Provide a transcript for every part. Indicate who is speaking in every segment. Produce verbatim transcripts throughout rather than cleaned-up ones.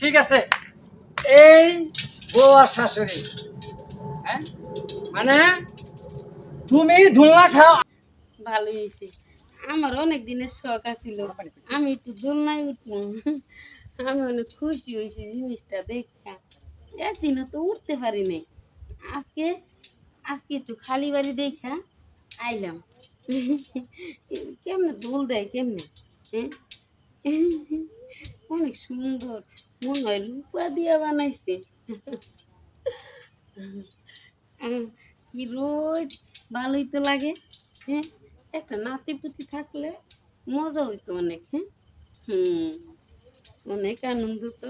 Speaker 1: ঠিক আছে, এই বউ আর শাশুড়ি, হ্যাঁ মানে তুমি দোলনা খাও।
Speaker 2: ভালো হয়েছে। আমার অনেক দিনের শখ আছিল আমি একটু দোলনায় উঠলাম। আমি অনেক খুশি হয়েছি জিনিসটা দেখা। একদিনও তো উঠতে পারি নাই। আজকে আজকে একটু খালি বাড়ি দেখা আইলাম। কেমনে দোল দেয় কেমনে, হ্যাঁ? অনেক সুন্দর, মনে হয় লুপা দিয়া বানাইছে। আহ, কি রোদ, ভালোই তো লাগে। হ্যাঁ, একটা নাতি পুতি থাকলে মজা হইতো অনেক। হ্যাঁ, হুম, অনেক আনন্দ তো।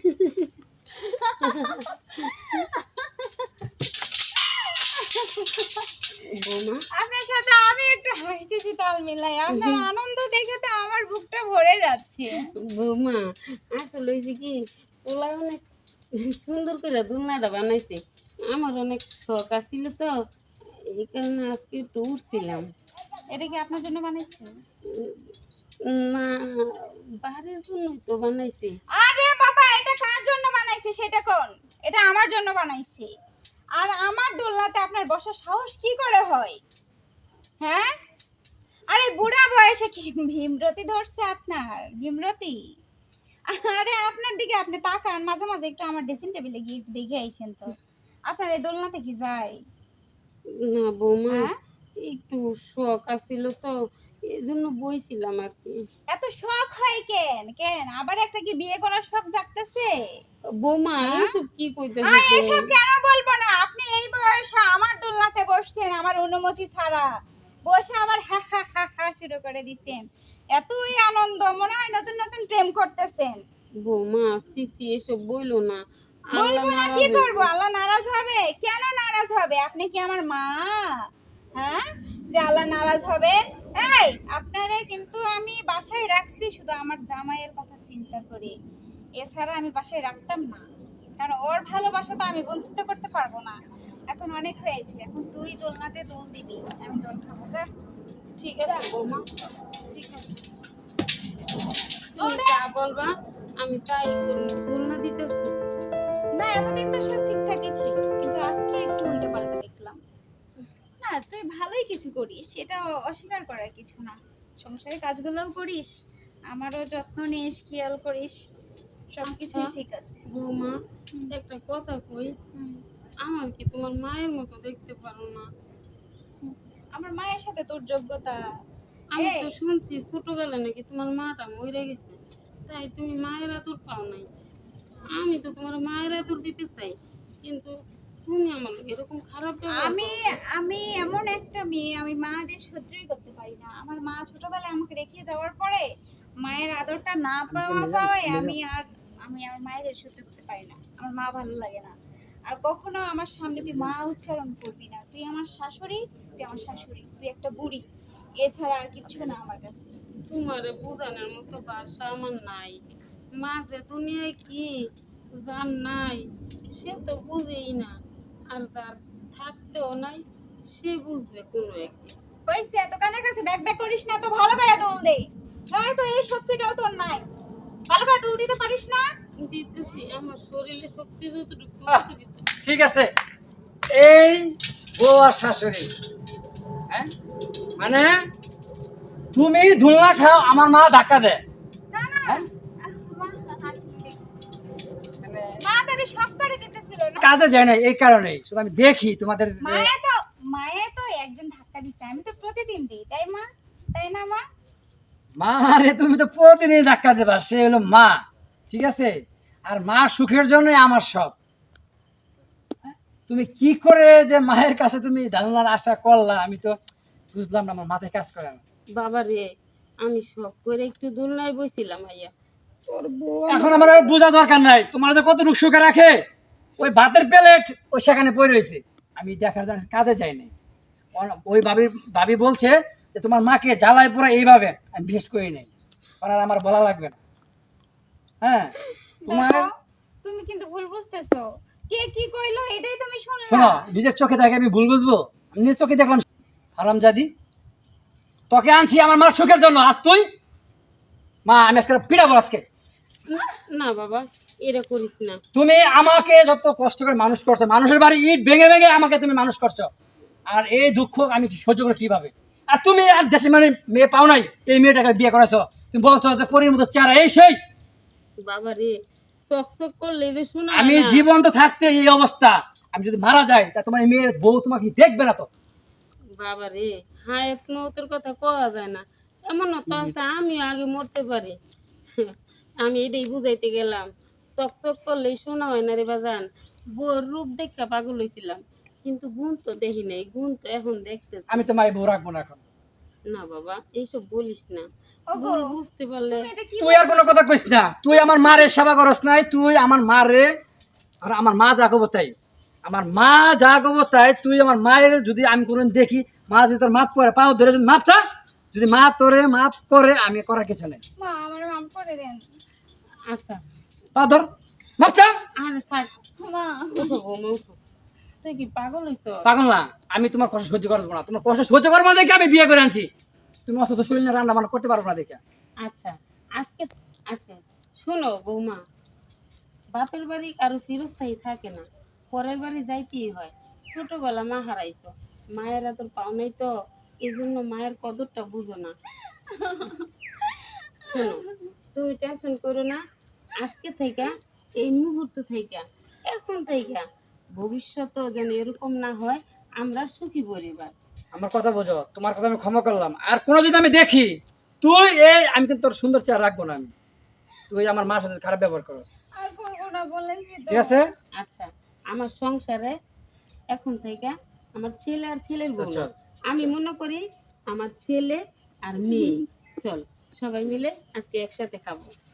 Speaker 2: বৌমা,
Speaker 3: আপনার সাথে আমি একটু হাসতেছি তাল মিলাই, আপনার আনন্দ দেখে তো আমার বুকটা ভরে যাচ্ছে।
Speaker 2: বৌমা আসলে হয়েছে কি, ওলা অনেক সুন্দর করে দোলনাটা বানাইছে। আমার অনেক শখ আছিল তো, এই কারণে আজকে একটু উঠছিলাম।
Speaker 3: এটা কি আপনার জন্য বানাইছে?
Speaker 2: না, বাড়ির জন্যই তো বানাইছে।
Speaker 3: আরে বাবা, এটা কার জন্য বানাইছে সেটা কোন? এটা আমার জন্য বানাইছে। আর আমার দোলনাতে আপনার বসার সাহস কি করে হয়? হ্যাঁ, আরে বুড়া বয়সে কি ভীমরতি ধরছে আপনার? ভীমরতি? আরে আপনার দিকে আপনি তাকান, মাঝে মাঝে একটু আমার ড্রেসিং টেবিলে গিয়ে একটু দেখে আইসেন তো। আপনার এই দোলনাতে কি যায়?
Speaker 2: না বৌমা,
Speaker 3: হ্যাঁ,
Speaker 2: একটু শখ আছিল তো, এই জন্য বইছিলাম আর কি।
Speaker 3: এত শখ হয় কেন? কেন আবার একটা কি বিয়ে করার শখ জাগতেছে?
Speaker 2: বৌমা
Speaker 3: হ্যাঁ?
Speaker 2: এসব কি কইতেছ?
Speaker 3: আর এসব কেন বলবো না? আপনি এই বয়সে আমার দোলনাতে বসছেন আমার অনুমতি ছাড়া, বসে আবার হা হা হা হা শুরু করে দিছেন। এতই আনন্দ, মনে হয় নতুন নতুন প্রেম করতেছেন।
Speaker 2: বৌমা সিসি এসব বইলো না, আল্লাহ
Speaker 3: বলবো না
Speaker 2: নারাজ
Speaker 3: কি
Speaker 2: হইব।
Speaker 3: করবো? আল্লাহ নারাজ হবে? কেন নারাজ হবে? আপনি কি আমার মা? হ্যাঁ, যে আল্লাহ নারাজ হবে? এই, আপনারে কিন্তু আমি বাসায় রাখছি শুধু আমার জামাইয়ের কথা চিন্তা করে, এছাড়া আমি বাসায় রাখতাম না। কারণ ওর ভালোবাসা তো আমি বঞ্চিত করতে পারবো না। এখন অনেক হয়েছে, এখন তুই দোলনাতে দোল দিবি, আমি দোল খাবো। যা।
Speaker 2: ঠিক আছে বৌমা, ঠিক আছে,
Speaker 3: দোল
Speaker 2: তুমি
Speaker 3: দে।
Speaker 2: যা বলবা আমি তাই করব। দোলনা দিতেছি।
Speaker 3: না, এতদিন তো সব ঠিকঠাকই ছিল, কিন্তু আজকে একটু উল্টো পাল্টা দেখলাম। না, তুই ভালোই কিছু করিস, এটা অস্বীকার করার কিছু না। সংসারের কাজগুলোও করিস, আমারও যত্ন নিস, খেয়াল করিস, সবকিছুই
Speaker 2: আচ্ছা
Speaker 3: ঠিক আছে।
Speaker 2: বৌমা, একটা কথা কই,
Speaker 3: হুম,
Speaker 2: আমার কি তোমার মায়ের মতো দেখতে পারো না?
Speaker 3: হুম। আমার মায়ের সাথে তোর যোগ্যতা?
Speaker 2: আমি
Speaker 3: এই,
Speaker 2: তো শুনছি ছোটবেলা নাকি তোমার মাটা মরে গেছে, তাই তুমি মায়ের আদর পাও নাই। আমি তো তোমার মায়ের আদর দিতে চাই, কিন্তু তুমি আমার লগে এরকম খারাপ ব্যবহার
Speaker 3: আমি
Speaker 2: করো।
Speaker 3: আমি এমন একটা মেয়ে, আমি মাদের সহ্যই করতে পারি না। আমার মা ছোটবেলায় আমাকে রেখে যাওয়ার পরে মায়ের আদরটা না পাওয়া পাওয়ায় আমি আর আমি আমার মায়ের সহ্য করতে পারি না। আমার মা ভালো লাগে না। আর কখনো আমার সামনে তুই মা উচ্চারণ করবি না। তুই আমার শাশুড়ি, তুই আমার শাশুড়ি, তুই একটা বুড়ি, এছাড়া আর কিচ্ছু না আমার কাছে।
Speaker 2: তোমারে বোঝানোর মতো ভাষা আমার নাই। মা যে দুনিয়ায় কি জান নাই, সে তো বুঝেই না। আর যার থাকতেও নাই, সে বুঝবে কোনো একদিন।
Speaker 3: হয়েছে, এত কানের কাছে ব্যাক ব্যাক করিস না, তো ভালো করে দোল দে। হ্যাঁ, তো এই শক্তিটাও তোর নাই, ভালো করে দোল দিতে পারিস না?
Speaker 2: দিতেছি, আমার শরীরে শক্তি যতটুকু
Speaker 1: আহ,
Speaker 2: ততটুকু দিতে।
Speaker 1: ঠিক আছে, এই বউ আর শাশুড়ি, হ্যাঁ মানে তুমি দোলনা খাও, আমার মা ধাক্কা দেয়।
Speaker 3: না না,
Speaker 1: হ্যাঁ
Speaker 3: আহ, মা হাসছে।
Speaker 1: মানে
Speaker 3: মা তারে শখ করে দিতেছিল না।
Speaker 1: কাজে যায় না, এই কারণেই শুধু আমি দেখি তোমাদের যে
Speaker 3: মায়ে তো মায়ে তো একদিন ধাক্কা দিছে, আমি তো প্রতিদিন দিই, তাই মা? তাই না মা?
Speaker 1: মা, রে তুমি তো প্রতিদিন ধাক্কা দেবা, সে হলো মা, ঠিক আছে? আর মা সুখের জন্যই আমার সব। তুমি কি করে যে মায়ের কাছে তুমি ধারণার আশা করলা, আমি তো বুঝলাম না, আমার মাথায় কাজ করে না।
Speaker 2: বাবা রে, আমি শখ করে একটু দোলনায় বসছিলাম আইয়া, তোর বউ
Speaker 1: এখন
Speaker 2: আমার-
Speaker 1: আমার আর বোঝা দরকার নাই তোমার যে কতটুকু সুখে রাখে। ওই ভাতের প্লেট ওই সেখানে পড়ে রয়েছে, আমি দেখার জন্য কাজে যাইনি। ওই ভাবি ভাবি বলছে যে তোমার মাকে জ্বালায় পড়া এইভাবে, আমি বিশেষ করি নাই, কারণ আর আমার বলা লাগবে না। হ্যাঁ, তোমার
Speaker 3: দেখো, তুমি কিন্তু ভুল বুঝতেছো। কে কি কইলো এটাই তুমি
Speaker 1: শোনো,
Speaker 3: শুনলা।
Speaker 1: নিজের চোখে দেখে আমি ভুল বুঝবো? আমি নিজের চোখে দেখলাম। হারামজাদি, তোকে আনছি আমার মার সুখের জন্য, আর তুই মা আমি আজকে পিড়াবো আজকে।
Speaker 2: না- না বাবা এটা করিস না।
Speaker 1: তুমি আমাকে যত কষ্ট করে মানুষ করছো, মানুষের বাড়ি ইট ভেঙে ভেঙে আমাকে তুমি মানুষ করছো, আর এই দুঃখ আমি সহ্য করে কিভাবে? আর তুমি আর দেশে মানে মেয়ে পাও নাই, এই মেয়েটাকে বিয়ে করেছো, তুমি বলছো যে পরীর মতো চেহারা এই সেই।
Speaker 2: বাবা রে চক চক করলে যে শোনা
Speaker 1: আমি
Speaker 2: হয় না।
Speaker 1: জীবন্ত থাকতে এই অবস্থা, আমি যদি মারা যাই তা তোমার এই মেয়ের বউ তোমাকে দেখবে না তো।
Speaker 2: বাবা রে হায়াত মৌতের কথা কওয়া যায় না, এমন তো আছে আমি আগে মরতে পারি। আমি এটাই বুঝাইতে গেলাম, চক চক করলেই শোনা হয় না রে বাজান। বউর রূপ দেখা পাগল হয়েছিলাম, কিন্তু গুণ তো দেখি নাই, গুণ তো এখন দেখতেছি।
Speaker 1: আমি তোমার এই বউ রাখবো না এখন।
Speaker 2: না বাবা এইসব বলিস না,
Speaker 3: ওগো,
Speaker 2: ভুল বুঝতে পারলে।
Speaker 3: তুমি এটা কি
Speaker 1: তুই আর কোনো কথা কইস না, তুই আমার মারে সেবা করস নাই, তুই আমার মারে আর আমার মা যা করবো তাই, আমার মা যা করবো তাই, তুই আমার মায়ের যদি আমি কোনোদিন দেখি মা যদি তোর মাপ করে পাও ধরে যদি মাপ চা, যদি মা তোরে মাপ করে, আমি করার কিছু নেই।
Speaker 3: মা আমার মাফ করে দেন।
Speaker 2: আচ্ছা
Speaker 1: পা ধর, মাপ চা।
Speaker 2: আরে থাক,
Speaker 3: মা
Speaker 2: উঠো বৌমা উঠো, তুই কি পাগল হইছ?
Speaker 1: পাগল না, আমি তোমার কষ্ট সহ্য করবো না, তোমার কষ্ট সহ্য করবো না দেখে আমি বিয়ে করে আনছি। তুমি অসুস্থ শরীর নিয়ে রান্না বান্না করতে পারবো না দেখে।
Speaker 2: আচ্ছা আজকে আচ্ছা শোনো বৌমা, বাপের বাড়ি কারো চিরস্থায়ী থাকে না, পরের বাড়ি যাইতেই হয়। ছোটবেলা মা হারাইছো, মায়ের এত পাও নাই তো, এই জন্য মায়ের কদরটা বুঝো না। শোনো তুমি টেনশন করো না, আজকে থেকে এই মুহূর্ত থেকে এখন থেকে ভবিষ্যতেও যেন এরকম না হয়, আমরা সুখী পরিবার।
Speaker 1: আমার কথা বোঝো, তোমার কথা আমি ক্ষমা করলাম, আর কোনো যদি আমি দেখি তুই এই, আমি কিন্তু তোর সুন্দর চেহারা রাখবো না আমি, তুই আমার মার সাথে খারাপ ব্যবহার করস,
Speaker 3: আর করবো না বলেছি তো।
Speaker 1: ঠিক আছে?
Speaker 2: আচ্ছা আমার সংসারে এখন থেকে আমার ছেলে আর ছেলের বউ না,
Speaker 1: চল,
Speaker 2: আমি মনে করি আমার ছেলে আর মেয়ে। চল সবাই মিলে আজকে একসাথে খাবো।